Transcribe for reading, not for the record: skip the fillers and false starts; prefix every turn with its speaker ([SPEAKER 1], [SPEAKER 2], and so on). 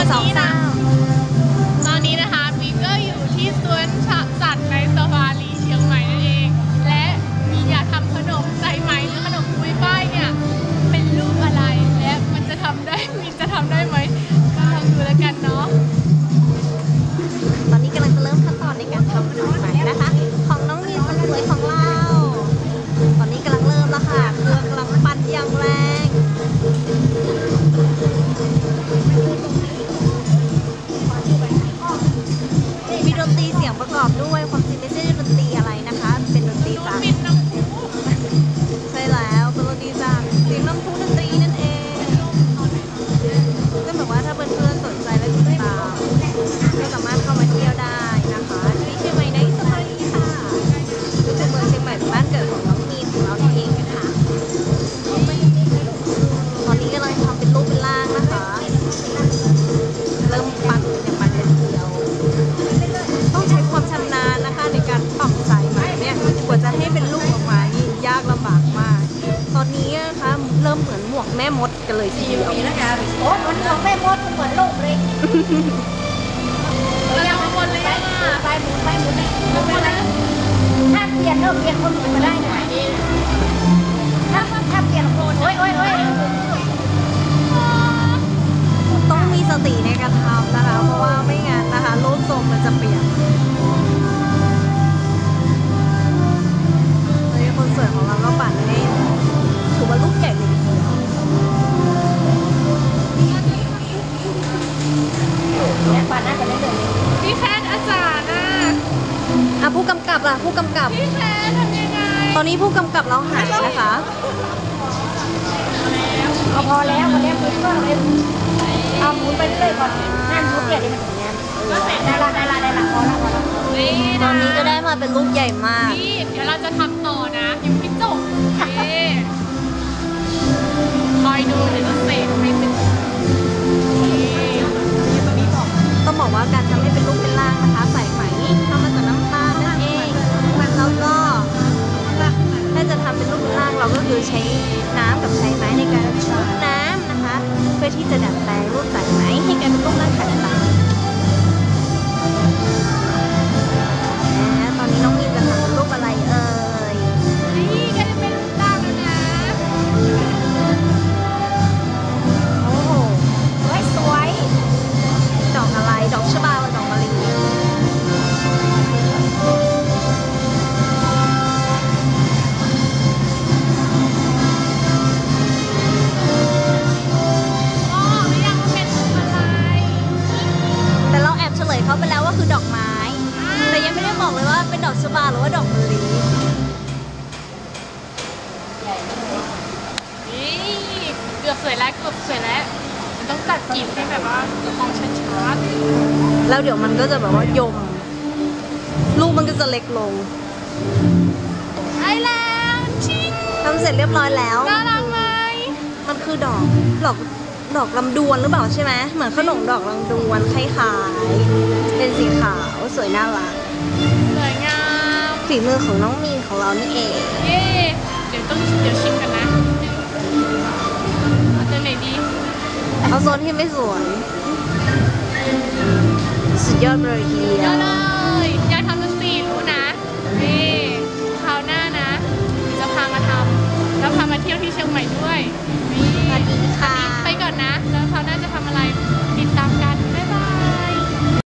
[SPEAKER 1] ตอนนี้นะคะมีก็อยู่ที่สวนสัตว์ในซาฟารีเชียงใหม่นั่นเองและมีอยากทำขนมสายไหมหรือขนมปุยฝ้ายเนี่ยเป็นรูปอะไรและมันจะทำได้ไหมก็ลองดูแล้วกันเนาะ
[SPEAKER 2] ตอนนี้กำลังจะเริ่มขั้นตอนในการทำขนมไหมนะคะของน้องมีนคนสวยของเราตอนนี้กำลังเริ่มแล้วค่ะเครื่องกำลังปั่นอย่างแรงมีดนตรีเสียงประกอบด้วยความจริงไม่ใช่ดนตรีอะไรนะคะเป็นดนตรีจากใช่แล้วเป็นดนตรีจากเสียงน้ำพุดนตรีนั่นเองก็แบบว่าถ้าเพื่อนๆสนใจและติดตามก็สามารถเข้ามาเที่ยวได้นะคะที่เชียงใหม่ในซาฟารีค่ะเป็นเมืองเชียงใหม่เป็นบ้านเกิดของน้องมีนของเราเองนะคะตอนนี้กำลังทำเป็นรูปเป็นร่างนะคะเริ่มปั่นอย่างปั่นเป็นเดียวต้องใช้ความชำนาญนะคะในการปั่นสายไหมเนี่ยกว่าจะให้เป็นรูปออกมานี่ยากลำบากมากตอนนี้นะคะเริ่มเหมือนหมวกแม่มดกันเลยทีเดียว
[SPEAKER 3] โอ้มันของแม่มดเหมือนโลกเลย
[SPEAKER 1] เราทำหมดเลยอ่ะ
[SPEAKER 3] ไปหมุนเลยถ้าเปลี่ยนคนอื่นมาได้นะถ้าเปลี่ยนคนโอ้ย
[SPEAKER 2] ต้องมีสติในการทำนะคะเพราะว่าไม่งั้นนะคะรูปทรงมันจะเปลี่ยนเลยคนสวยของเราก็ปั่นให้ถือว่าลูกใหญ่เลยทีเดียว
[SPEAKER 3] เนี่ยปั่นน่าจะไม่เดิน
[SPEAKER 1] พี่แพทย์อาจารย์นะ
[SPEAKER 2] ผู้กำกับล่ะผู้กำกับ
[SPEAKER 1] พี่แพทย์ทำยังไง
[SPEAKER 2] ตอนนี้ผู้กำกับเราหายนะคะ
[SPEAKER 3] เอาพอแล้วหมุนก็เลยเอาหมุนไปเรื่อยๆก่อนนั่นหมุนเปลี่ยนนี่มันถึงงั้นได้ละพอละ
[SPEAKER 2] ตอนนี้ก็ได้มาเป็นลูกใหญ่มาก
[SPEAKER 1] นี่เดี๋ยวเราจะทำต่อนะยังไม่จบคอยดูเดี๋ยวจะเสกให้เป็น
[SPEAKER 2] ต้องบอกว่าการทำให้เป็นรูปเป็นร่างนะคะใส่ไหมทำมาจากน้ำตาลนั่นเองแล้วก็ถ้าจะทำเป็นรูปเป็นร่างเราก็คือใช้น้ำกับใช้ไม้ในการชุบน้ำนะคะเพื่อที่จะดัดแปลงรูปสายไหมให้กลายเป็นรูปร่างต่างๆตอนนี้น้องมีนจะทำเป็นรูปอะไรเอ่ย
[SPEAKER 1] นี่ก็จะเป็นรูปร่างแล้วนะ
[SPEAKER 2] โอ้โห
[SPEAKER 3] สวย
[SPEAKER 2] ดอกอะไรดอกชบาหรือดอกมะลิแต่เราแอบเฉลยเขาไปแล้วว่าคือดอกไม้แต่ยังไม่ได้บอกเลยว่าเป็นดอกชบาหรือว่าดอกมะลิ
[SPEAKER 1] นี่เกือบสวยแล้วมันต้องตัดจีบให้แบบว่ามองชัด
[SPEAKER 2] ๆแล้วเดี๋ยวมันก็จะแบบว่ายมลูกมันก็จะเล็กลง
[SPEAKER 1] ไอ้แล้วชิง
[SPEAKER 2] ทำเสร็จเรียบร้อยแล้ว
[SPEAKER 1] น่ารักไหม
[SPEAKER 2] มันคือดอกลำดวนหรือเปล่าใช่ไหมเหมือนขนมดอกลำดวนคล้ายๆเป็นสีขาวสวยน่ารัก
[SPEAKER 1] สวยงาม
[SPEAKER 2] ฝีมือของน้องมีนของเรานี่เอง
[SPEAKER 1] เย่เดี๋ยวชิมกันนะเอาตัวไหนดี
[SPEAKER 2] เอาโซนที่ไม่สวยสุดยอดเลยทีเดียว
[SPEAKER 1] เลยอยากทำดนตรีรู้นะนี่คราวหน้านะจะพามาทำแล้วพามาเที่ยวที่เชียงใหม่ด้วย
[SPEAKER 2] สวัสดีค่ะ
[SPEAKER 1] ไปก่อนนะ